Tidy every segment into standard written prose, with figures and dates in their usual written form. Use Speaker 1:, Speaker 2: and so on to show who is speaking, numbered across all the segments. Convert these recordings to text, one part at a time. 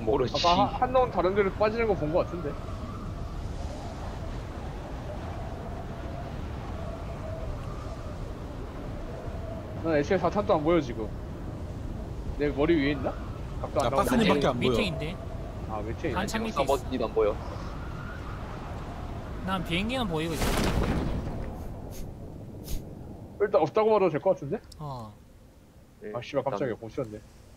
Speaker 1: 모르지.
Speaker 2: 아까 한놈 다른 데로 빠지는 거 본 거 같은데. 난 애초에 4탄도 안 보여 지금. 내 머리 위에 있나? 각도
Speaker 3: 나
Speaker 2: 안 나오네.
Speaker 3: 박스님밖에 안 보여.
Speaker 4: 밑에인데.
Speaker 2: 아 밑에 있네.
Speaker 4: 한참 밑에 있어.
Speaker 1: 서버지도 안 보여.
Speaker 4: 난 비행기는 보이고 있어.
Speaker 2: 일단 없다고 말해도 될 것 같은데?
Speaker 4: 어.
Speaker 2: 아 씨발 깜짝이야 공치였네.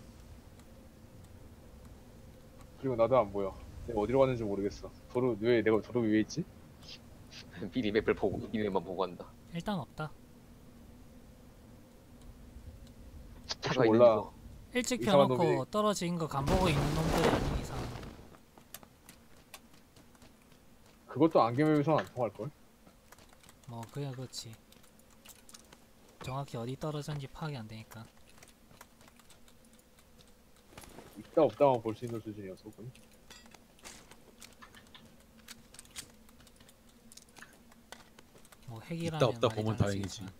Speaker 2: 그리고 나도 안 보여. 내가 어디로 갔는지 모르겠어. 왜 내가 도로 위에 있지?
Speaker 1: 미리 맵을 보고 미리만 보고 간다.
Speaker 4: 일단 없다.
Speaker 1: 차가
Speaker 2: 몰라.
Speaker 1: 있는 거.
Speaker 4: 일찍
Speaker 2: 이상한
Speaker 4: 펴놓고
Speaker 2: 놈이-
Speaker 4: 떨어진 거 간보고 있는 놈들이 아닌 이상.
Speaker 2: 그것도 안개맵에서 안 통할걸?
Speaker 4: 뭐 그야 그렇지. 정확히 어디 떨어졌는지 파악이 안 되니까.
Speaker 2: 있다 없다만 볼 수 있는 수준이어서 그건.
Speaker 4: 뭐 핵이라면
Speaker 3: 있다 없다
Speaker 4: 말이
Speaker 3: 보면
Speaker 4: 다르지겠지만.
Speaker 3: 다행이지.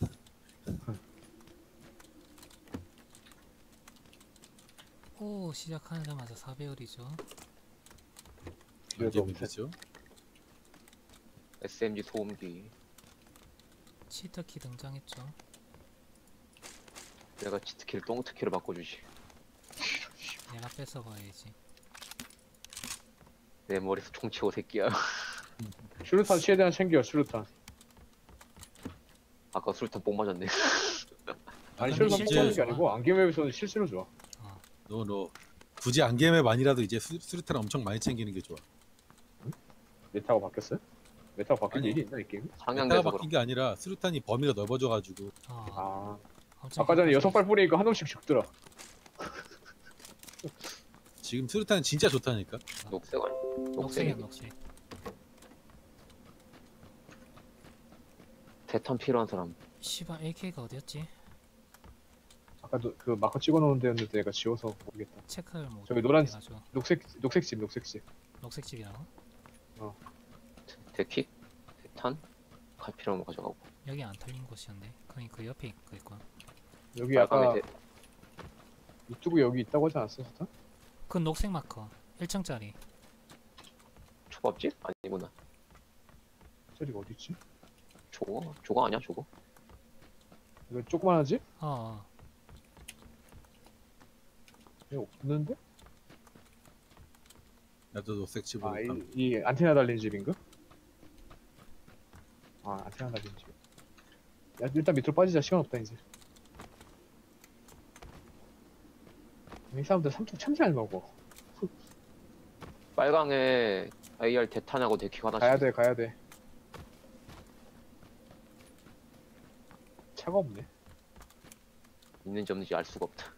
Speaker 4: 오 시작하자마자 4배율이죠.
Speaker 2: 그래도
Speaker 3: 이게 되죠.
Speaker 1: SMG 소음기.
Speaker 4: 치트키 등장했죠.
Speaker 1: 내가 치트키를 똥트키로 바꿔주지.
Speaker 4: 내가 뺏어봐야지.
Speaker 1: 내 머리에서 총 치고 새끼야.
Speaker 2: 슈루탄 최대한 챙겨 슈루탄.
Speaker 1: 아까 술탄 뽕 맞았네.
Speaker 2: 아니
Speaker 4: 근데
Speaker 2: 슈루탄
Speaker 4: 실제로
Speaker 2: 뽑는 게
Speaker 4: 좋아.
Speaker 2: 아니고 안개맵에서는 실수로 좋아.
Speaker 3: 너 굳이 안개맵만이라도 이제 수류탄 엄청 많이 챙기는 게 좋아.
Speaker 2: 메타가 바뀌었어요? 메타가 바뀐
Speaker 3: 아니.
Speaker 2: 일이 있나 이 게임?
Speaker 1: 상향돼서
Speaker 3: 메타가 바뀐 게 아니라 수류탄이 범위가 넓어져가지고
Speaker 4: 어.
Speaker 2: 아
Speaker 4: 엄청
Speaker 2: 아까 전에
Speaker 4: 헷갈리지.
Speaker 2: 6발 뿌리니까 한 놈씩 죽더라.
Speaker 3: 지금 수류탄은 진짜 좋다니까.
Speaker 1: 녹색 아니?
Speaker 4: 녹색이야
Speaker 1: 녹색이.
Speaker 4: 녹색.
Speaker 1: 대탄 필요한 사람.
Speaker 4: 씨발 AK가 어디였지?
Speaker 2: 아까도 그 마커 찍어놓은 데였는데 내가 지워서 모르겠다.
Speaker 4: 체크를 못
Speaker 2: 저기 노란-
Speaker 4: 해가지고.
Speaker 2: 녹색집.
Speaker 4: 녹색집이라고?
Speaker 1: 대킥? 대탄? 칼 필요한 거 가져가고.
Speaker 4: 여기 안 털린 곳이었는데. 그니 그 옆에 있고.
Speaker 2: 여기 아까
Speaker 1: 빨강에
Speaker 2: 이쪽에 여기 있다고 하지 않았어? 사탄?
Speaker 4: 그 녹색 마커 1층짜리.
Speaker 1: 초밥집? 아니구나.
Speaker 2: 저리가 어디 있지?
Speaker 1: 저거? 저거 아니야 저거?
Speaker 2: 이거 조그만하지?
Speaker 4: 어.
Speaker 2: 이거 없는데?
Speaker 3: 나도 녹색 집으로.
Speaker 2: 아, 이 안테나 달린 집인가? 아, 안테나 달린 집. 야, 일단 밑으로 빠지자. 시간 없다, 이제. 이 사람들 삼촌 참 잘 먹어.
Speaker 1: 빨강에 AR 대탄하고 대킥 하나씩.
Speaker 2: 가야 돼. 차가 없네.
Speaker 1: 있는지 없는지 알 수가 없다.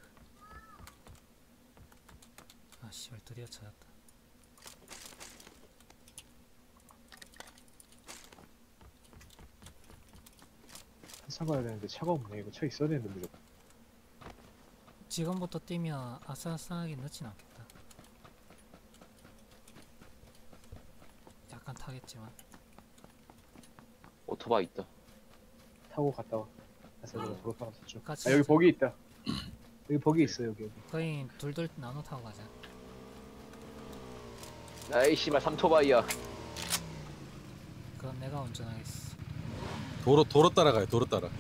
Speaker 4: 아 씨발 드디어 찾았다.
Speaker 2: 차 가야 되는데 차가 없네. 이거 차 있어야 되는데 무조건.
Speaker 4: 지금부터 뛰면 아싸아싸하게 늦진 않겠다. 약간 타겠지만.
Speaker 1: 오토바이 있다.
Speaker 2: 타고 갔다 와. 아싸, 내가 도로 타고 쭉.
Speaker 4: 같이
Speaker 2: 아, 여기
Speaker 4: 가자.
Speaker 2: 버기 있다. 여기 버기 있어, 여기.
Speaker 4: 거의 둘둘 나눠 타고 가자.
Speaker 1: 아이 씨발 삼토바이야.
Speaker 4: 그럼 내가 운전하겠어.
Speaker 3: 도로 따라가요. 도로 따라.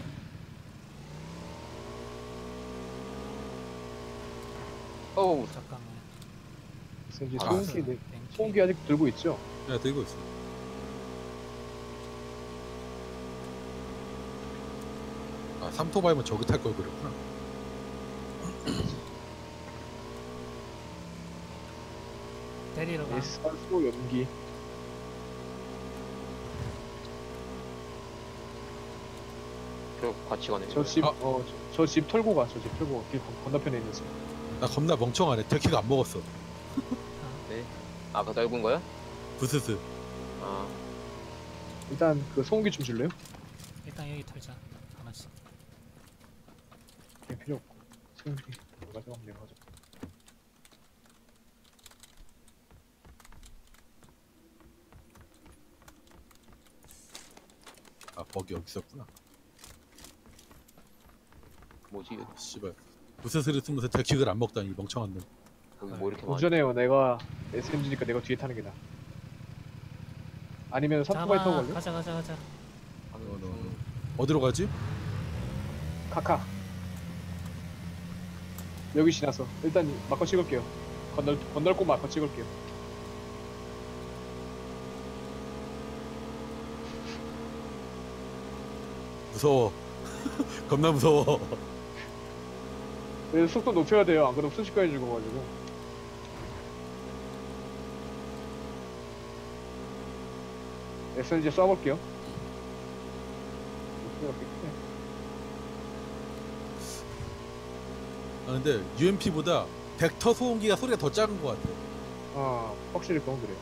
Speaker 1: 어우
Speaker 4: 잠깐만.
Speaker 2: 그래서 이제
Speaker 1: 아,
Speaker 2: 소음기 아직 들고 있죠?
Speaker 3: 내가 들고 있어. 아 삼토바이면 저기 탈 걸 그랬구나.
Speaker 4: 데리러 가.
Speaker 2: 산소 연기.
Speaker 1: 결국 같이 가네.
Speaker 2: 저 집,
Speaker 3: 아.
Speaker 2: 저 집 털고 가. 저 집 털고. 길 건너편에 있는 집.
Speaker 3: 나 겁나 멍청하네. 터키가 안 먹었어.
Speaker 1: 네. 아까 넓은 거야?
Speaker 3: 부스스.
Speaker 1: 아
Speaker 2: 일단 그 소음기 좀 줄래요?
Speaker 4: 일단 여기 털자. 하나씩.
Speaker 2: 그냥 필요 없고. 소음기. 뭐 가져가면 내가 가져.
Speaker 3: 아 버기 여기 있었구나.
Speaker 1: 뭐지?
Speaker 3: 씨발. 부스스를 쓰면서 터키를 안 먹다니 멍청한 놈.
Speaker 1: 여기 뭐 이렇게 많아?
Speaker 2: 운전해요. 내가 SMG니까 내가 뒤에 타는 게 나아. 아니면 삼토바이 타고 갈래?
Speaker 4: 가자 가자 가자.
Speaker 3: 어디로 가지?
Speaker 2: 카카. 여기 지나서 일단 마커 찍을게요. 건널 곳 마커 찍을게요.
Speaker 3: 무서워. 겁나 무서워.
Speaker 2: 그래서 속도 높여야 돼요. 안 그러면 순식간에 죽어가지고. SNG 쏴볼게요.
Speaker 3: 아, 근데 UMP보다 벡터 소음기가 소리가 더 작은 것 같아.
Speaker 2: 아, 확실히 그건 그래요.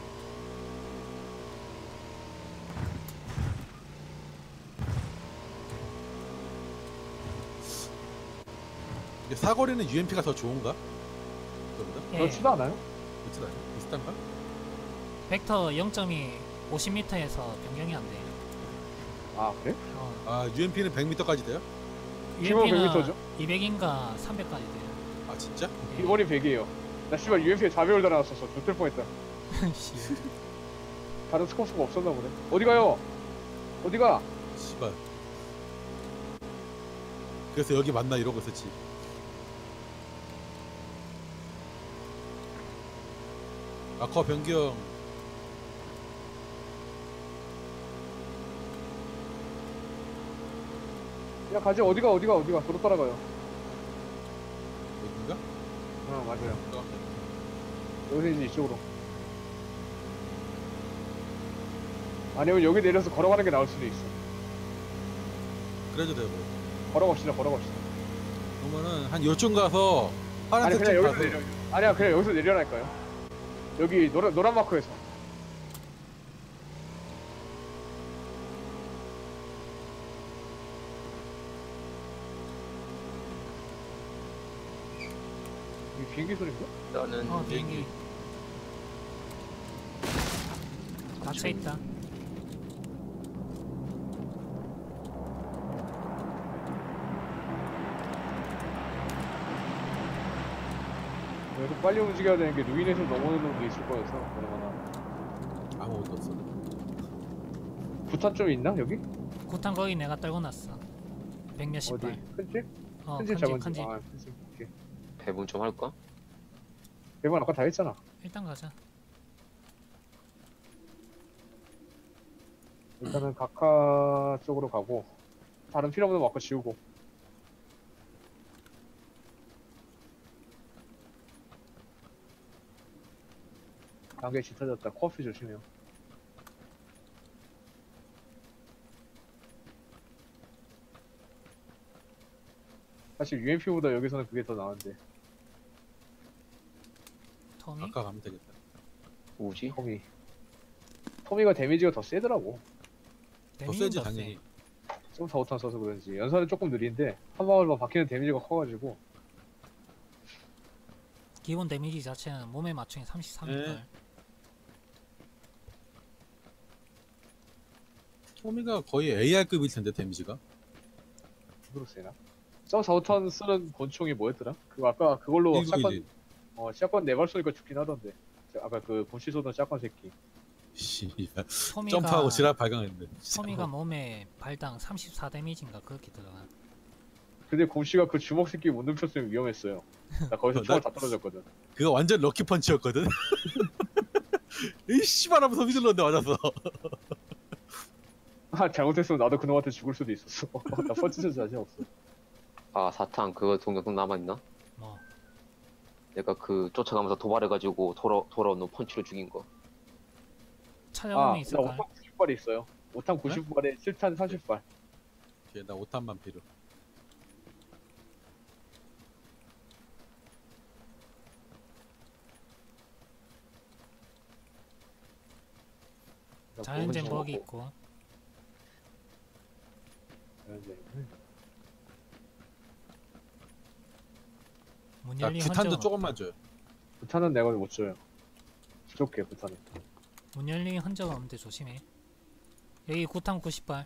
Speaker 3: 이게 사거리는 UMP가 더 좋은가? 그거보다?
Speaker 4: 예.
Speaker 2: 그렇지도 않아요?
Speaker 3: 그렇지 않아? 비슷한가?
Speaker 4: 벡터 0점이 50m에서 변경이 안 돼.
Speaker 2: 아, 그래?
Speaker 3: 아 UMP는 100m까지 돼요?
Speaker 2: 기본
Speaker 4: UMP는
Speaker 2: 100m 죠?
Speaker 4: 200인가 300까지 돼요.
Speaker 3: 아 진짜?
Speaker 4: 예.
Speaker 2: 기본이 100이에요. 나 씨발 UMP에 자배울 달아놨었어. 좋을 뻔했다.
Speaker 4: 씨.
Speaker 2: 다른 스코스가 없었나 보네. 어디 가요? 어디가?
Speaker 3: 씨발. 그래서 여기 만나 이러고 있었지. 마커 변경.
Speaker 2: 야, 가지. 어디가? 도로 따라가요.
Speaker 3: 여긴가?
Speaker 2: 맞아요.
Speaker 3: 어.
Speaker 2: 여기서 이제 이쪽으로. 아니면 여기 내려서 걸어가는 게 나을 수도 있어.
Speaker 3: 그래도 되고.
Speaker 2: 걸어갑시다.
Speaker 3: 그러면은 한 요쯤 가서
Speaker 2: 아니,
Speaker 3: 파란색
Speaker 2: 그냥
Speaker 3: 좀
Speaker 2: 여기서
Speaker 3: 가서
Speaker 2: 내려. 아니야, 그냥 여기서 내려랄까요? 여기 노란 마크에서. 이 비행기 소리인가?
Speaker 1: 나는
Speaker 4: 비행기 닫혀 있다.
Speaker 2: 그래서 빨리 움직여야 되는 게 루인에서 넘어오는 게 있을 거여서 그러거나.
Speaker 3: 아무것도 없어.
Speaker 2: 부탄 좀 있나 여기?
Speaker 4: 구탄 거기 내가 떨고 놨어. 100몇십
Speaker 2: 어디?
Speaker 4: 발.
Speaker 2: 큰 집?
Speaker 4: 어,
Speaker 2: 큰 집
Speaker 4: 큰집
Speaker 2: 잡은
Speaker 4: 큰집.
Speaker 2: 아, 큰 집. 오케이.
Speaker 1: 배분 좀 할까?
Speaker 2: 대본 아까 다 했잖아.
Speaker 4: 일단 가자.
Speaker 2: 일단은 각하 쪽으로 가고 다른 필요 없는 마크 지우고. 단계 짙어졌다. 커피 조심해요. 사실 UMP보다 여기서는 그게 더 나은데.
Speaker 4: 토미?
Speaker 3: 아까 가면 되겠다.
Speaker 1: 뭐지?
Speaker 2: 토미가 데미지가 더 세더라고.
Speaker 3: 더 세지 당연히.
Speaker 2: 좀 사우탄 써서 그런지 연산은 조금 느린데 한 방울만 박히는 데미지가 커가지고.
Speaker 4: 기본 데미지 자체는 몸에 맞추기 33일.
Speaker 3: 네. 토미가 거의 AR급일 텐데 데미지가.
Speaker 2: 그로 세나? 점 사우탄 쓰는 권총이 뭐였더라? 그거 아까 그걸로
Speaker 3: 1911.
Speaker 2: 샷건 4발 쏘니까 죽긴 하던데. 아까 그 곰씨 쏘던 샷건 새끼.
Speaker 3: 씨발.
Speaker 4: 토미가
Speaker 3: 점프하고 지랄 발광했는데.
Speaker 4: 토미가 몸에 발당 34 데미지인가 그렇게 들어가.
Speaker 2: 근데 곰씨가 그 주먹 새끼 못 눕혔으면 위험했어요. 나 거기서
Speaker 3: 나-
Speaker 2: 총알 다 떨어졌거든.
Speaker 3: 그거 완전 럭키 펀치였거든. 이 씨발 하면서 휘둘렀는데 맞았어.
Speaker 2: 아, 잘못했으면 나도 그놈한테 죽을 수도 있었어. 나 펀치전 자신 없어.
Speaker 1: 아 사탕 그거 동영상 남아있나?
Speaker 4: 뭐
Speaker 1: 내가 그 쫓아가면서 도발해가지고 돌아온 놈 펀치로 죽인 거.
Speaker 4: 찾아보면
Speaker 2: 아, 나
Speaker 4: 있을까?
Speaker 2: 5탄 90발이 있어요. 5탄 90발에 7탄 30발.
Speaker 3: 오케이, 나 5탄만 필요.
Speaker 4: 자연젠 버기 있고. 문
Speaker 3: 나
Speaker 4: 열린
Speaker 3: 규탄도
Speaker 4: 흔적은
Speaker 3: 조금만
Speaker 4: 없다.
Speaker 3: 줘요.
Speaker 2: 부탄은 내가 못 줘요. 부족해, 부탄은.
Speaker 4: 문 열린 흔적은 없는데 조심해. 여기 구탄 90발.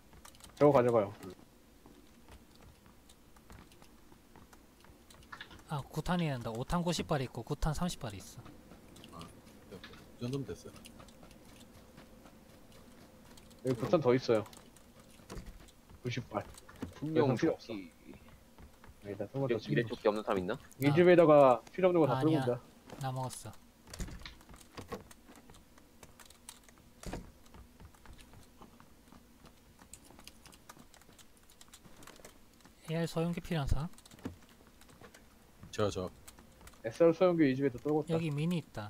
Speaker 2: 저거 가져가요.
Speaker 4: 아 9탄이 된다. 5탄 90발 있고 9탄 30발 있어.
Speaker 3: 이 정도면 됐어요.
Speaker 2: 여기 9탄 더 있어요. 90발.
Speaker 1: 분명
Speaker 2: 필요 없어.
Speaker 1: 조끼
Speaker 2: 아니다, 조금만 더
Speaker 1: 미래
Speaker 2: 챙겨.
Speaker 1: 조끼 없는 사람 있나?
Speaker 2: 이 집에다가 필요 없는 거 다
Speaker 4: 아니야.
Speaker 2: 끌고 온다.
Speaker 4: 나 먹었어. AR 소형기 필요한 사람?
Speaker 3: 저
Speaker 2: SR 소형기 이 집에다 떨궜다.
Speaker 4: 여기 미니 있다.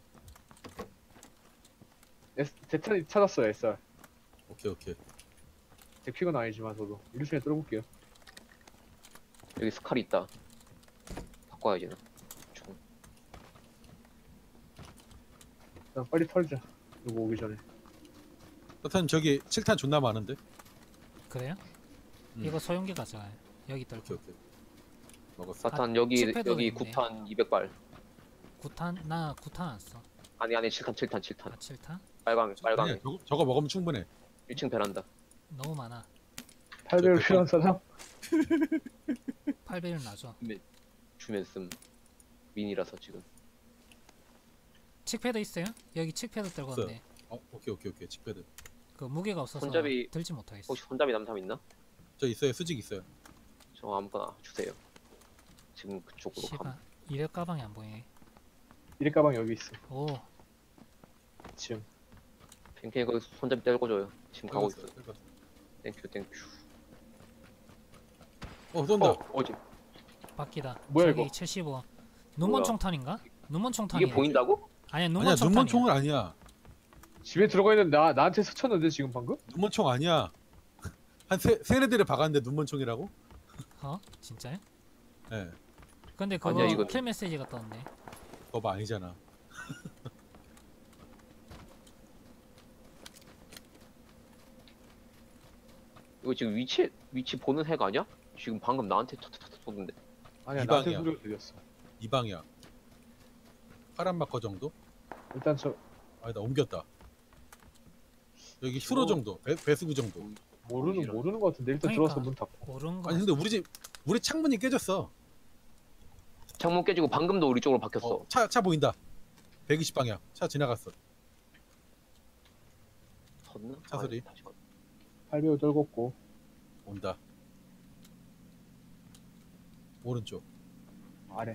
Speaker 2: 대탄 찾았어요, SR.
Speaker 3: 오케이.
Speaker 2: 제 픽은 아니지만 저도 일루션에 떨어볼게요.
Speaker 1: 여기 스칼이 있다. 바꿔야지 나. 총.
Speaker 2: 일단 빨리 털자. 누구 오기 전에.
Speaker 3: 사탄 저기 7탄 존나 많은데.
Speaker 4: 그래요?
Speaker 3: 음.
Speaker 4: 이거 소형기 가져가요. 여기 떨고.
Speaker 3: 오케이. 먹었어.
Speaker 1: 사탄 여기
Speaker 4: 칩패드도
Speaker 1: 여기
Speaker 4: 있네.
Speaker 1: 9탄 200발.
Speaker 4: 9탄 나 9탄 안 써.
Speaker 1: 아니 7탄
Speaker 4: 아
Speaker 1: 7탄.
Speaker 4: 7탄?
Speaker 1: 빨강에
Speaker 3: 아니야, 저거 먹으면 충분해.
Speaker 1: 1층 베란다.
Speaker 4: 너무 많아.
Speaker 2: 8배율
Speaker 3: 저
Speaker 2: 필요한 사람?
Speaker 4: 8배율 나죠.
Speaker 1: 주면 씀. 미니라서 지금.
Speaker 4: 칙패드 있어요? 여기 칙패드 떨고
Speaker 3: 있어요.
Speaker 4: 왔네.
Speaker 3: 오케이. 칙패드.
Speaker 4: 그 무게가 없어서
Speaker 1: 손잡이-
Speaker 4: 들지 못하겠어.
Speaker 1: 혹시 손잡이 남삼 있나?
Speaker 3: 저 있어요. 수직 있어요.
Speaker 1: 저 아무거나 주세요. 지금 그쪽으로
Speaker 4: 씨발
Speaker 1: 감.
Speaker 4: 이력 가방이 안 보이네.
Speaker 2: 이래 가방 여기 있어.
Speaker 4: 오
Speaker 2: 지금.
Speaker 1: 팽팽이 거기 손잡이 떼고줘요. 지금 가고 있어.
Speaker 3: 긁었어.
Speaker 1: 땡큐.
Speaker 3: 쏜다.
Speaker 1: 어지.
Speaker 4: 바퀴다.
Speaker 2: 뭐야,
Speaker 4: 저기
Speaker 2: 이거?
Speaker 4: 75. 눈먼
Speaker 1: 뭐야?
Speaker 4: 총탄인가? 눈먼 총탄이.
Speaker 1: 이게 보인다고?
Speaker 4: 아니야 눈먼
Speaker 3: 아니야,
Speaker 4: 총탄이야.
Speaker 3: 눈먼 총은 아니야.
Speaker 2: 집에 들어가 있는 나한테 스쳤는데 지금 방금?
Speaker 3: 눈먼 총 아니야. 한 세네 대를 박았는데 눈먼 총이라고?
Speaker 4: 어? 진짜요?
Speaker 3: 예.
Speaker 4: 근데 그거
Speaker 1: 아니야, 이거-
Speaker 4: 킬 메시지가 떴네.
Speaker 3: 그거 봐 아니잖아.
Speaker 1: 이거 지금 위치 보는 핵 아니야? 지금 방금 나한테 탁탁탁 쏘는데.
Speaker 2: 아니야,
Speaker 3: 이
Speaker 2: 나한테
Speaker 3: 방이야.
Speaker 2: 소리가 들렸어.
Speaker 3: 이 방이야. 파란 마커 정도?
Speaker 2: 일단 저
Speaker 3: 아니다 옮겼다. 여기 휴로 정도. 배수구 정도.
Speaker 2: 모르는 거 같은데 일단
Speaker 4: 그러니까.
Speaker 2: 들어와서 문 닫고.
Speaker 4: 오른 거.
Speaker 3: 아니 근데 우리 창문이 깨졌어.
Speaker 1: 창문 깨지고 방금도 우리 쪽으로 바뀌었어.
Speaker 3: 차 보인다. 120 방향. 차 지나갔어.
Speaker 1: 섰나?
Speaker 3: 차 소리.
Speaker 1: 다시 가.
Speaker 2: 8배율 떨궜고.
Speaker 3: 온다. 오른쪽.
Speaker 2: 아래.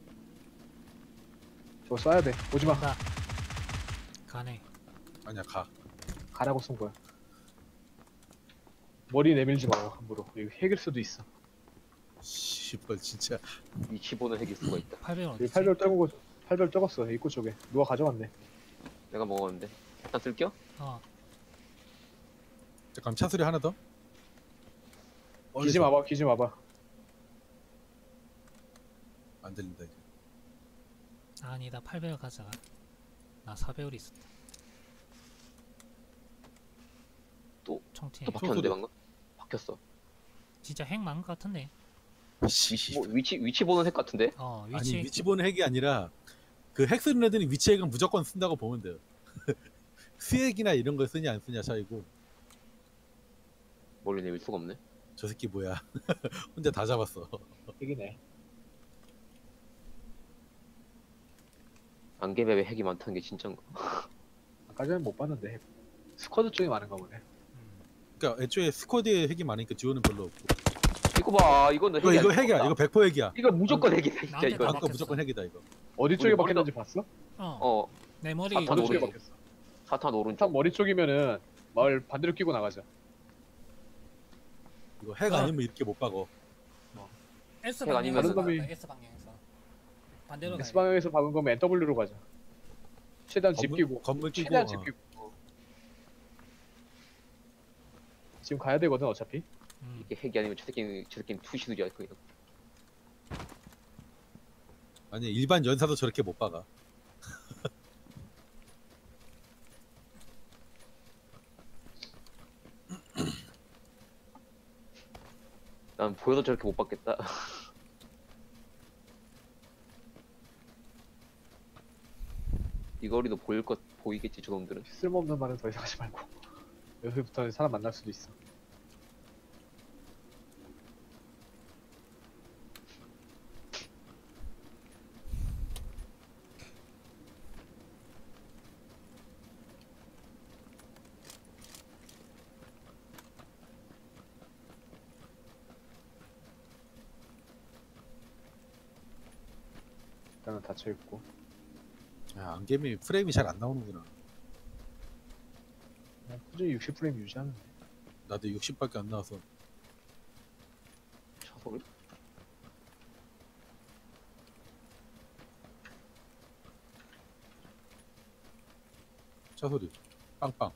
Speaker 2: 저거 쏴야 돼. 오지마.
Speaker 4: 온다. 가네.
Speaker 3: 아니야 가.
Speaker 2: 가라고 쏜 거야. 머리 내밀지 마요 함부로. 여기 핵일 수도 있어.
Speaker 3: 씨발 진짜.
Speaker 1: 위치 보는 핵일 수가 있다.
Speaker 4: 800원
Speaker 2: 여기
Speaker 4: 어디지?
Speaker 2: 8배율 떨고 8배율 떨궜어. 입구 쪽에. 누가 가져갔네.
Speaker 1: 내가 먹었는데. 일단 쓸게요.
Speaker 4: 어.
Speaker 3: 잠깐 차 소리 하나 더.
Speaker 2: 기지 마봐. 기지 마봐.
Speaker 3: 안 들린다 이제.
Speaker 4: 아니다 800원 가져가. 나 4배율 있었다.
Speaker 1: 또-
Speaker 4: 총팀.
Speaker 1: 또 바뀌었는데
Speaker 3: 소리.
Speaker 1: 방금? 바뀌었어.
Speaker 4: 진짜 핵 많은 것 같은데.
Speaker 3: 씨.
Speaker 1: 뭐 위치 보는 핵 같은데?
Speaker 4: 어
Speaker 3: 아니
Speaker 4: 위치.
Speaker 3: 위치 보는 핵이 아니라 그 핵 쓰는 애들이 위치 핵은 무조건 쓴다고 보면 돼요. 수핵이나 이런 거 쓰냐 안 쓰냐 차이고.
Speaker 1: 멀리 내밀 수가 없네.
Speaker 3: 저 새끼 뭐야. 혼자 다 잡았어.
Speaker 2: 핵이네.
Speaker 1: 안개맵에 핵이 많다는 게 진짠가?
Speaker 2: 아까 전에 못 봤는데 핵. 스쿼드 쪽이 많은가 보네.
Speaker 3: 그러니까 애초에 스쿼드에 핵이 많으니까 듀오는 별로 없고.
Speaker 1: 이거 봐, 이거는 핵이
Speaker 3: 이거
Speaker 1: 아닐
Speaker 3: 핵이야.
Speaker 1: 것
Speaker 3: 이거
Speaker 1: 같다.
Speaker 3: 100% 핵이야.
Speaker 1: 이거 무조건 핵이다 진짜
Speaker 4: 나한테
Speaker 1: 이거.
Speaker 4: 다
Speaker 3: 아까
Speaker 4: 박혔어.
Speaker 3: 무조건 핵이다 이거.
Speaker 2: 어디 쪽에
Speaker 1: 우리
Speaker 2: 박혔는지 봤어?
Speaker 1: 어,
Speaker 4: 내 머리.
Speaker 1: 사탄
Speaker 2: 어디
Speaker 1: 오른쪽.
Speaker 2: 쪽에 박혔어?
Speaker 1: 사탄 오른쪽.
Speaker 2: 탑 머리 쪽이면은 마을 반대로 끼고 나가자.
Speaker 3: 이거 핵
Speaker 4: 어.
Speaker 3: 아니면 이렇게 못 박어.
Speaker 4: S
Speaker 1: 핵 아니면
Speaker 4: 방향에서
Speaker 2: 다른 놈이-
Speaker 4: 나갔다, S 방향에서. 반대로
Speaker 2: S
Speaker 4: 가야
Speaker 2: 방향에서 박은 거면 NW로 가자. 최대한 집 끼고.
Speaker 3: 건물 끼고.
Speaker 2: 최대한 집 끼고. 지금 가야 되거든 어차피.
Speaker 4: 돼.
Speaker 1: 이게 핵이 아니면 저 새끼는 투시들이야 그냥.
Speaker 3: 아니 일반 연사도 저렇게 못 박아.
Speaker 1: 난 보여도 저렇게 못 받겠다. 이 거리도 보이겠지 저놈들은.
Speaker 2: 쓸모없는 말은 더 이상 하지 말고. 여기부터는 사람 만날 수도 있어. 나는 닫혀 있고.
Speaker 3: 야, 안개미 프레임이 잘 안 나오는구나.
Speaker 2: 그냥 꾸준히 60프레임 유지하는데.
Speaker 3: 나도 60밖에 안 나와서.
Speaker 1: 차 소리?
Speaker 3: 차 소리. 빵빵.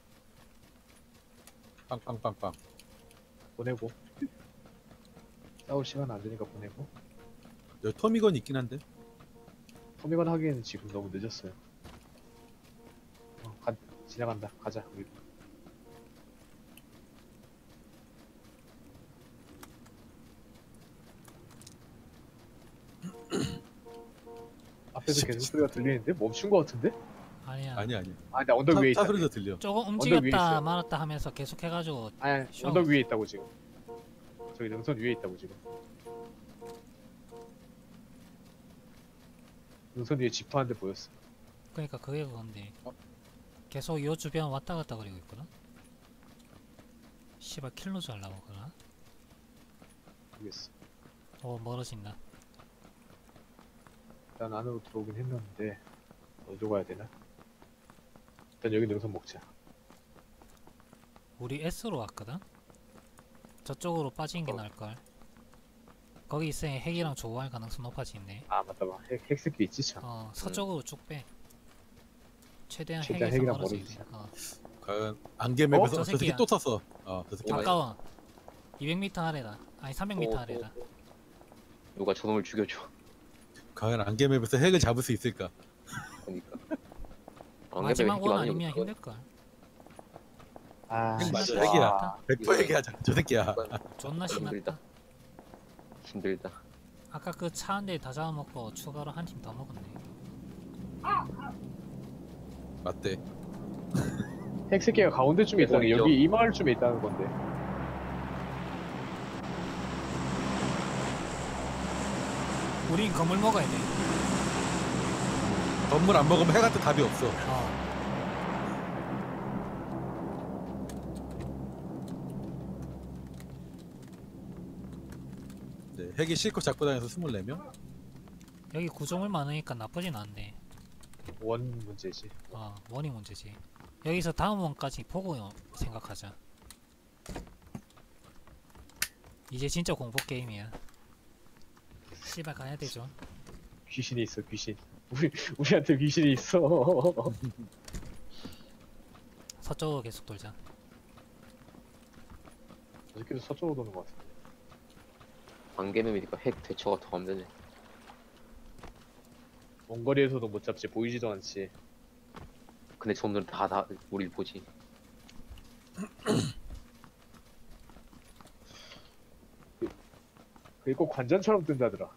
Speaker 3: 빵빵빵빵.
Speaker 2: 보내고. 싸울 시간 안 되니까 보내고.
Speaker 3: 여기 토미건 있긴 한데.
Speaker 2: 토미건 하기에는 지금 너무 늦었어요. 지나간다. 가자. 우리. 앞에서 계속 소리가 들리는데 멈춘 거 같은데?
Speaker 4: 아니야.
Speaker 3: 아니야.
Speaker 2: 아, 나 언덕 위에
Speaker 3: 차
Speaker 2: 있다.
Speaker 3: 소리도 들려.
Speaker 4: 조금
Speaker 2: 위에
Speaker 4: 움직였다
Speaker 2: 있어요.
Speaker 4: 말았다 하면서 계속 해가지고
Speaker 2: 아니,
Speaker 4: 쉬어.
Speaker 2: 언덕 위에 있다고 지금. 저기 능선 위에 있다고 지금. 능선 위에 집터 한 대 보였어.
Speaker 4: 그러니까 그게 그건데
Speaker 3: 어?
Speaker 4: 계속 요 주변 왔다 갔다 거리고 있거든. 씨발 킬로 잘 나오거나.
Speaker 2: 모르겠어.
Speaker 4: 멀어진다.
Speaker 2: 일단 안으로 들어오긴 했는데 어디로 가야 되나? 일단 여기 능선 먹자.
Speaker 4: 우리 S로 왔거든. 저쪽으로 빠지는 게 나을걸. 거기 있으니 핵이랑 조우할 가능성 높아지네.
Speaker 2: 아 맞다 봐. 핵새끼 있지 참.
Speaker 4: 서쪽으로 쭉 빼. 최대한
Speaker 2: 최대한
Speaker 4: 핵에서
Speaker 2: 핵이랑
Speaker 4: 멀어져
Speaker 2: 멀어지자.
Speaker 4: 있어.
Speaker 3: 과연 안개맵에서
Speaker 4: 저
Speaker 3: 저 새끼
Speaker 4: 새끼야.
Speaker 3: 또 탔어. 저 새끼.
Speaker 1: 오마이.
Speaker 4: 가까워. 200m 아래다. 아니 300m 아래다.
Speaker 1: 누가 저놈을 죽여줘.
Speaker 3: 과연 안개맵에서 핵을 잡을 수 있을까?
Speaker 1: 그러니까.
Speaker 4: 마지막 원 아니면 힘들걸.
Speaker 2: 아
Speaker 3: 핵 맞아,
Speaker 2: 진짜.
Speaker 3: 핵이야. 100% 얘기하자. 저 새끼야.
Speaker 4: 존나 심했다.
Speaker 1: 힘들다.
Speaker 4: 아까 그 차 한 대 다 잡아먹고 추가로 한 팀 더 먹었네.
Speaker 3: 맞대.
Speaker 2: 핵새끼가 가운데쯤에 있다는 게
Speaker 1: 있죠.
Speaker 2: 여기 이 마을쯤에 있다는 건데.
Speaker 4: 우린 건물 먹어야 돼.
Speaker 3: 건물 안 먹으면 핵한테 답이 없어. 네, 핵이 실컷 잡고 다녀서 24명?
Speaker 4: 여기 구조물 많으니까 나쁘진 않은데
Speaker 2: 원 문제지.
Speaker 4: 원이 문제지. 여기서 다음 원까지 보고 생각하자. 이제 진짜 공포 게임이야. 씨발 가야 되죠.
Speaker 2: 귀신이 있어 귀신. 우리한테 귀신이 있어.
Speaker 4: 서쪽으로 계속 돌자.
Speaker 2: 저 새끼도 서쪽으로 도는 것 같아.
Speaker 1: 안개맵이니까 핵 대처가 더 안 되네.
Speaker 2: 먼 거리에서도 못 잡지. 보이지도 않지.
Speaker 1: 근데 저놈들은 다 우리를 보지.
Speaker 2: 그게 꼭 관전처럼 뜬다더라.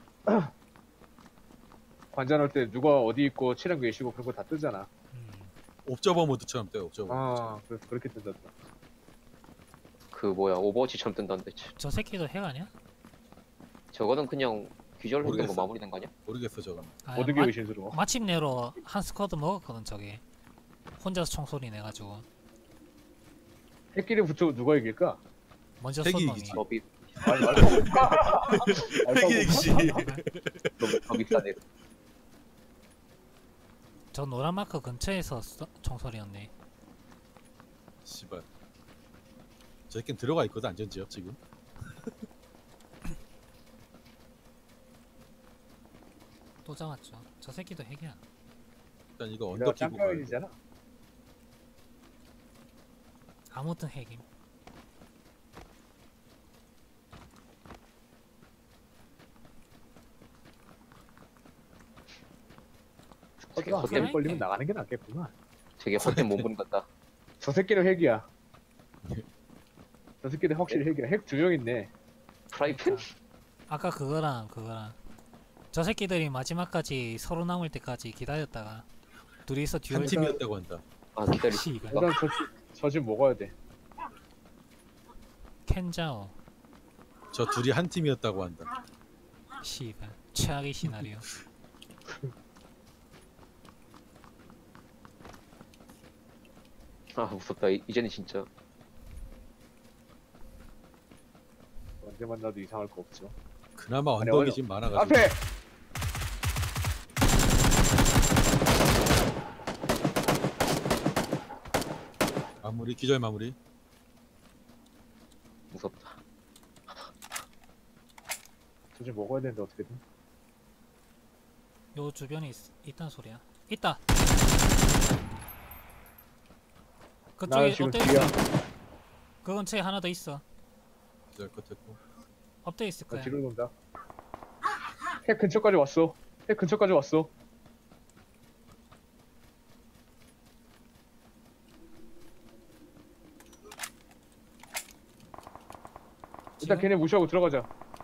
Speaker 2: 관전할 때 누가 어디 있고 차량 계시고 그런 거 다 뜨잖아.
Speaker 3: 옵저버 모드처럼 떠요. 옵저버.
Speaker 2: 아, 그래서 그렇게 뜬다더라.
Speaker 1: 그 뭐야 오버워치처럼 뜬다는데.
Speaker 4: 저 새끼도 핵 아니야?
Speaker 1: 저거는 그냥 귀절 했던 거
Speaker 3: 모르겠어.
Speaker 1: 마무리된 거 아니야?
Speaker 3: 모르겠어 저건.
Speaker 2: 모든 게 의심스러워.
Speaker 4: 마침내로 한 스쿼드 먹었거든 저게. 혼자서 총소리 내가지고
Speaker 2: 핵끼리 붙여 누가 이길까?
Speaker 4: 먼저
Speaker 3: 핵이
Speaker 4: 쏜 놈이.
Speaker 3: 이기지.
Speaker 1: 법이
Speaker 2: 아니, 알까
Speaker 3: 핵이 이기지.
Speaker 1: 너무 법이 싸네.
Speaker 4: 저 노란 마크 근처에서 총소리였네.
Speaker 3: 씨발. 저 새끼는 들어가 있거든 안전지역 지금.
Speaker 4: 또 잡았죠. 저 새끼도 핵이야.
Speaker 3: 일단 이거
Speaker 2: 내가
Speaker 3: 언덕 끼고 가야 돼.
Speaker 2: 짱가이잖아.
Speaker 4: 아무튼 핵임.
Speaker 1: 되게
Speaker 2: 헛된
Speaker 1: 헛된
Speaker 4: 헛된-
Speaker 2: 걸리면 나가는 게 낫겠구만.
Speaker 1: 되게 헛된 몸부림 같다.
Speaker 2: 저 새끼는 핵이야. 저 새끼는 확실히 핵이야. 핵 두 명 있네.
Speaker 1: 프라이팬?
Speaker 4: 아까 그거랑 저 새끼들이 마지막까지 서로 남을 때까지 기다렸다가 둘이서
Speaker 3: 한
Speaker 4: 듀얼
Speaker 3: 팀이었다고 한다.
Speaker 1: 아 기다리.
Speaker 4: 씨발
Speaker 2: 일단 저 집 먹어야 돼.
Speaker 4: 켄자오
Speaker 3: 저 둘이 한 팀이었다고 한다.
Speaker 4: 씨발 최악의 시나리오.
Speaker 1: 아 무섭다. 이제는 진짜.
Speaker 2: 언제 만나도 이상할 거 없죠.
Speaker 3: 그나마
Speaker 2: 아니,
Speaker 3: 언덕이
Speaker 2: 어려-
Speaker 3: 지금 많아가지고.
Speaker 2: 앞에!
Speaker 3: 기절 마무리.
Speaker 1: 무섭다.
Speaker 2: 도저히 먹어야 되는데 어떻게든.
Speaker 4: 요 주변에 있단 소리야. 있다.
Speaker 2: 나
Speaker 4: 그쪽에
Speaker 2: 지금
Speaker 4: 엎드려
Speaker 2: 뒤야.
Speaker 4: 있어. 그 근처에 하나 더 있어.
Speaker 3: 기절 끝했고.
Speaker 4: 엎드려 있을
Speaker 2: 나
Speaker 4: 거야.
Speaker 2: 뒤로 돈다. 핵 근처까지 왔어. 핵 근처까지 왔어. 일단
Speaker 4: 지금?
Speaker 2: 걔네 무시하고 들어가자.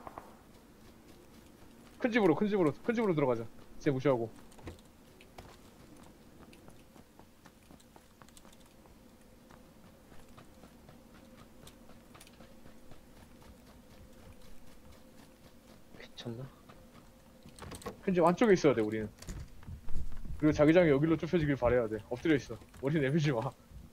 Speaker 2: 큰 집으로 들어가자. 쟤 무시하고.
Speaker 1: 괜찮나?
Speaker 2: 큰 집 안쪽에 있어야 돼 우리는. 그리고 자기장이 여기로 좁혀지길 바래야 돼. 엎드려 있어. 머리 내밀지 마.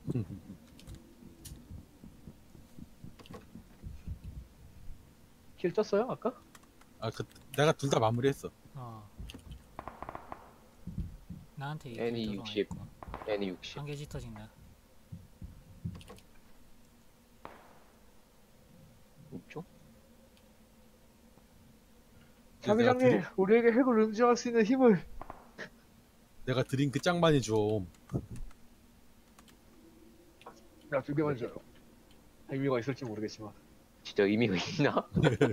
Speaker 2: 킬 쪘어요 아까?
Speaker 3: 아, 내가 둘 다 마무리했어.
Speaker 4: 어. 나한테
Speaker 1: N이
Speaker 4: 이끌
Speaker 1: 60.
Speaker 4: 들어와
Speaker 1: N이
Speaker 4: 있고.
Speaker 1: 60.
Speaker 4: 한개 짙어진다.
Speaker 1: 있죠?
Speaker 2: 자기장님 우리에게 핵을 응징할 수 있는 힘을.
Speaker 3: 내가 드링크 짱 많이 좀.
Speaker 2: 야 2개만 줘요. 의미가 있을지 모르겠지만.
Speaker 1: 진짜 의미가 있나?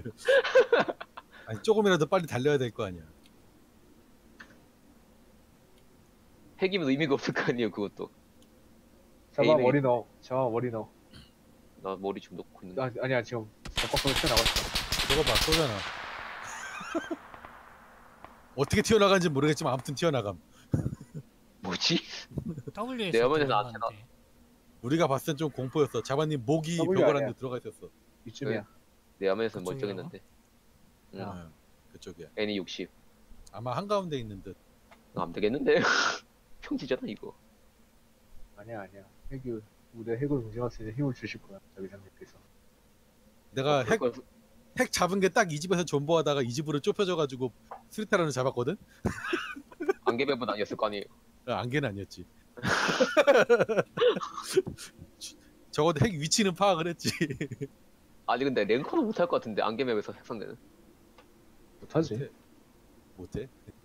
Speaker 3: 아니 조금이라도 빨리 달려야 될 거 아니야.
Speaker 1: 핵이면 의미가 없을 거 아니에요 그것도.
Speaker 2: 잡아
Speaker 1: 에이메이.
Speaker 2: 머리 넣어. 잡아 머리 넣어.
Speaker 1: 나 머리 좀 놓고 있는데.
Speaker 2: 아니야 지금 벽박으로 튀어나갔어.
Speaker 3: 저거 봐, 쏘잖아. 어떻게 튀어나간지 모르겠지만 아무튼 튀어나감.
Speaker 1: 뭐지?
Speaker 4: W에서
Speaker 1: 내 화면에서 안
Speaker 4: 들어가는데.
Speaker 3: 우리가 봤을 땐 좀 공포였어. 자바님 목이
Speaker 2: W
Speaker 3: 벽을
Speaker 2: 아니야.
Speaker 3: 안에 들어가 있었어.
Speaker 2: 이쯤이야.
Speaker 1: 내 화면에서는
Speaker 4: 그쪽이라고?
Speaker 1: 멀쩡했는데. 응.
Speaker 2: 야.
Speaker 3: 응, 그쪽이야.
Speaker 1: N이 60.
Speaker 3: 아마 한가운데 있는 듯.
Speaker 1: 안 되겠는데? 평지잖아 이거.
Speaker 2: 아니야. 핵이 우리 핵을 응징할 수 있는 힘을 주실 거야. 자기장님께서.
Speaker 3: 내가 핵,
Speaker 1: 그걸-
Speaker 3: 핵 잡은 게 딱 이 집에서 존버하다가 이 집으로 좁혀져가지고 스리타라는 잡았거든?
Speaker 1: 안개배분 아니었을 거 아니에요.
Speaker 3: 안개는 아니었지. 적어도 핵 위치는 파악을 했지.
Speaker 1: 아니 근데 랭커는 못할 것 같은데 안개맵에서 핵상대는.
Speaker 2: 못하지.
Speaker 3: 못해?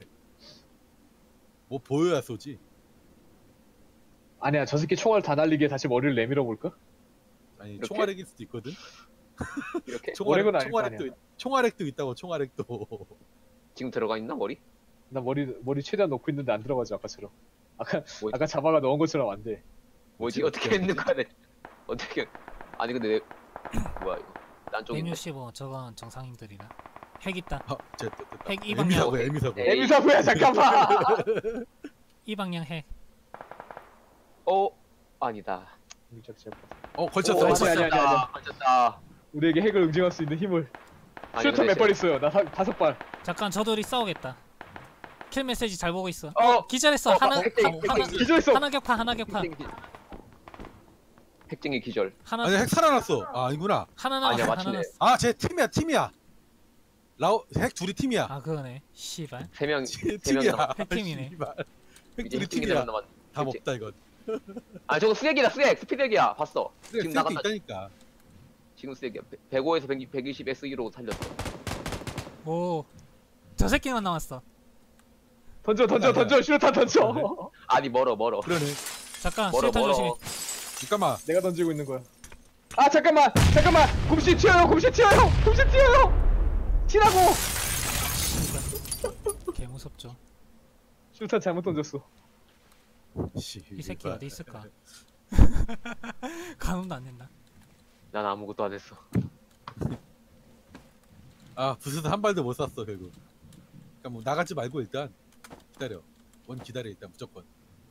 Speaker 3: 뭐 보여야 쏘지.
Speaker 2: 아니야 저 새끼 총알 다 날리게 다시 머리를 내밀어 볼까?
Speaker 3: 아니
Speaker 1: 이렇게?
Speaker 3: 총알핵일 수도 있거든.
Speaker 1: 이렇게?
Speaker 2: 오래건 아닐 거
Speaker 3: 총알핵도 있다고. 총알핵도.
Speaker 1: 지금 들어가 있나 머리?
Speaker 2: 나 머리 최대한 놓고 있는데 안 들어가지 아까처럼.
Speaker 1: 뭐지?
Speaker 2: 아까 자바가 넣은 것처럼 안 돼.
Speaker 1: 뭐지?
Speaker 3: 어떻게
Speaker 1: 어떻게 했는 거야? 내 어떻게? 아니 근데 뭐야 이거? 난 쪽인데.
Speaker 4: 165 저건 정상인들이라. 핵 있다.
Speaker 3: 아, 쟤 됐다.
Speaker 4: 핵 이 방향.
Speaker 3: 에미사고 에미사고.
Speaker 1: 에이.
Speaker 2: 에미사부야 잠깐만.
Speaker 4: 이 방향 핵.
Speaker 1: 아니다.
Speaker 3: 걸쳤어.
Speaker 2: 오,
Speaker 3: 걸쳤어.
Speaker 2: 아니야.
Speaker 1: 걸쳤다.
Speaker 2: 우리에게 핵을 응징할 수 있는 힘을.
Speaker 1: 아니,
Speaker 2: 슈터
Speaker 1: 근데
Speaker 2: 몇 발 있어요? 나 5발.
Speaker 4: 잠깐 저들이 싸우겠다. 킬 메시지 잘 보고 있어.
Speaker 1: 어!
Speaker 4: 기절했어. 하나 하나
Speaker 2: 기절했어.
Speaker 4: 하나 격파 하나 격파.
Speaker 1: 핵쟁이 기절.
Speaker 4: 하나
Speaker 3: 아니 핵 살아났어. 아 아니구나.
Speaker 4: 하나
Speaker 1: 아니야,
Speaker 4: 남았어. 하나
Speaker 1: 맞추네.
Speaker 4: 남았어.
Speaker 3: 아 쟤 팀이야. 핵 둘이 팀이야.
Speaker 4: 아 그거네. 씨발.
Speaker 1: 세 명.
Speaker 3: 쟤
Speaker 1: 세 명
Speaker 3: 팀이야.
Speaker 1: 남았.
Speaker 4: 핵팀이네.
Speaker 3: 씨발. 핵
Speaker 1: 이제
Speaker 3: 둘이
Speaker 1: 핵쟁이
Speaker 3: 팀이야.
Speaker 1: 남았.
Speaker 3: 다 먹다 이건.
Speaker 1: 아 저거 수액이다 수액. 스피드액이야. 봤어. 지금
Speaker 3: 쓸게
Speaker 1: 나간다.
Speaker 3: 있다니까.
Speaker 1: 지금 수액이야. 105에서 120 SE로 살렸어.
Speaker 4: 오. 저 새끼만 남았어.
Speaker 2: 던져 슈터 던져.
Speaker 1: 아니 멀어.
Speaker 3: 그러네.
Speaker 4: 잠깐
Speaker 1: 멀어
Speaker 4: 수류탄 조심해.
Speaker 1: 멀어.
Speaker 3: 잠깐만.
Speaker 2: 내가 던지고 있는 거야. 아 잠깐만 곰씨 튀어요. 튀라고.
Speaker 4: 개 무섭죠.
Speaker 2: 슈터 잘못 던졌어.
Speaker 4: 이 새끼 어디 있을까? 가늠도 안 된다.
Speaker 1: 난 아무것도 안 했어.
Speaker 3: 아 부스도 한 발도 못 쐈어 결국. 그러니까 뭐 나가지 말고 일단 기다려. 기다려 일단 무조건.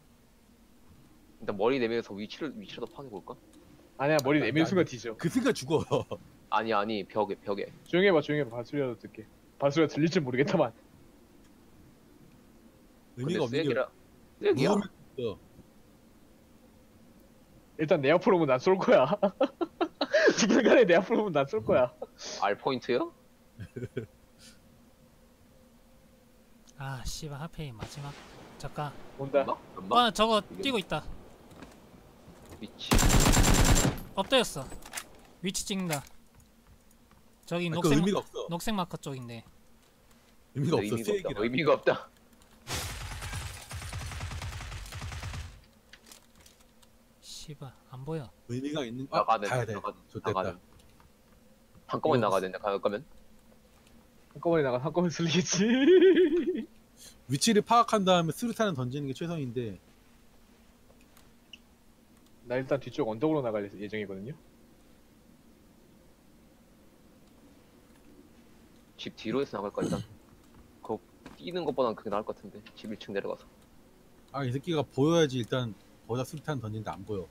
Speaker 1: 일단 머리 내밀어서 위치라도 파악해 볼까?
Speaker 2: 아니야 머리 내밀 순간 뒤져.
Speaker 3: 그 순간 죽어.
Speaker 1: 아니 벽에.
Speaker 2: 조용히 해봐. 발소리라도 듣게. 발소리가 들릴지 모르겠다만.
Speaker 3: 의미가 없는 게
Speaker 1: 수액이라. 수액이야.
Speaker 3: 무음이 없어.
Speaker 2: 일단 내 앞으로 오면 난 쏠 거야. 지금간에 내 앞으로 오면 난 쏠 거야.
Speaker 1: R 포인트요?
Speaker 4: 아 씨발 하필 마지막. 잠깐.
Speaker 2: 온다.
Speaker 1: 엄마?
Speaker 4: 아 저거 뛰고 있다.
Speaker 1: 미치.
Speaker 4: 엎드렸어. 위치 찍는다. 저기
Speaker 3: 그
Speaker 4: 녹색
Speaker 3: 의미가 없어.
Speaker 4: 녹색 마커 쪽인데.
Speaker 3: 의미가 없어.
Speaker 1: 의미가 없다.
Speaker 3: 수액이라.
Speaker 1: 의미가 없다.
Speaker 4: 씨발 안 보여.
Speaker 3: 의미가 있는.
Speaker 1: 나가야 돼.
Speaker 3: 가야 돼.
Speaker 1: 나가야 돼.
Speaker 3: 좋됐다.
Speaker 1: 한꺼번에
Speaker 3: 이거
Speaker 1: 나가야 된다. 갈 거면.
Speaker 2: 한꺼번에 나가 한꺼번에 쓸리겠지.
Speaker 3: 위치를 파악한 다음에 수류탄을 던지는 게 최선인데.
Speaker 2: 나 일단 뒤쪽 언덕으로 나갈 예정이거든요.
Speaker 1: 집 뒤로 해서 나갈 거니까. 그 뛰는 것보다는 그게 나을 것 같은데. 집 1층 내려가서.
Speaker 3: 아 이 새끼가 보여야지 일단 거기다 수류탄 던지는데 안 보여.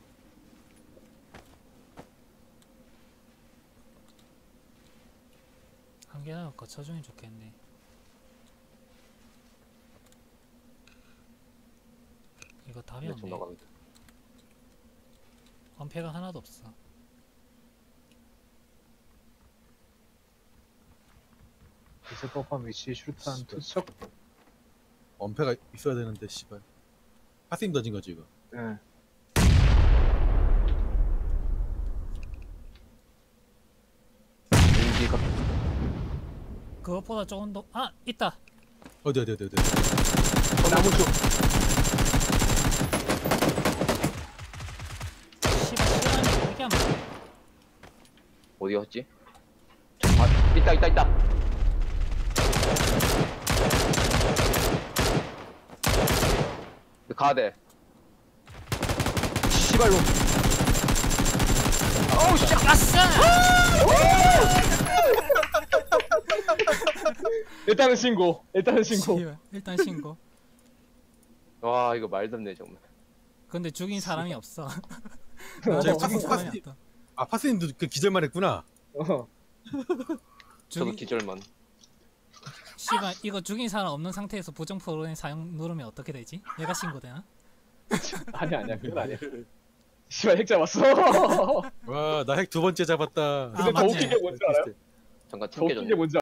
Speaker 4: 한 개나 거쳐주면 좋겠네. 이거 답이
Speaker 1: 좀
Speaker 4: 없네.
Speaker 1: 나갑니다.
Speaker 4: 엄폐가 하나도 없어.
Speaker 2: 있을 법한 위치에 슈루탄 투척.
Speaker 3: 엄폐가 있어야 되는데 씨발. 파스임 던진 거지 이거.
Speaker 2: 예.
Speaker 1: 용기가
Speaker 4: 그것보다 조금 더 있다.
Speaker 3: 어디.
Speaker 2: 나무 쪽.
Speaker 4: 씨발 시간이 왜 이렇게 안 맞아?
Speaker 1: 어디였지? 아, 있다. 가야 돼.
Speaker 2: 시발로.
Speaker 1: 어우 씨.
Speaker 4: 아싸!
Speaker 2: 일단은 신고.
Speaker 4: 씨발, 일단 신고.
Speaker 1: 와 이거 말도 안 돼 정말.
Speaker 4: 근데 죽인 사람이 없어.
Speaker 3: 저기
Speaker 4: 죽인 사람이
Speaker 3: 파스-
Speaker 4: 없다.
Speaker 3: 아 파스임도 그 기절만 했구나.
Speaker 2: 어.
Speaker 1: 저도
Speaker 4: 죽인
Speaker 1: 기절만.
Speaker 4: 씨발 이거 죽인 사람 없는 상태에서 부정 프로그램 사용 누르면 어떻게 되지? 얘가 신고되나?
Speaker 2: 아니야. 그건 아니야. 시발 핵 잡았어.
Speaker 3: 와 나 핵 두 번째 잡았다.
Speaker 2: 근데 더
Speaker 4: 맞네.
Speaker 2: 웃긴 게 뭔지 알아요?
Speaker 1: 잠깐
Speaker 2: 더 웃긴
Speaker 1: 튕겨졌네.
Speaker 2: 게 뭔지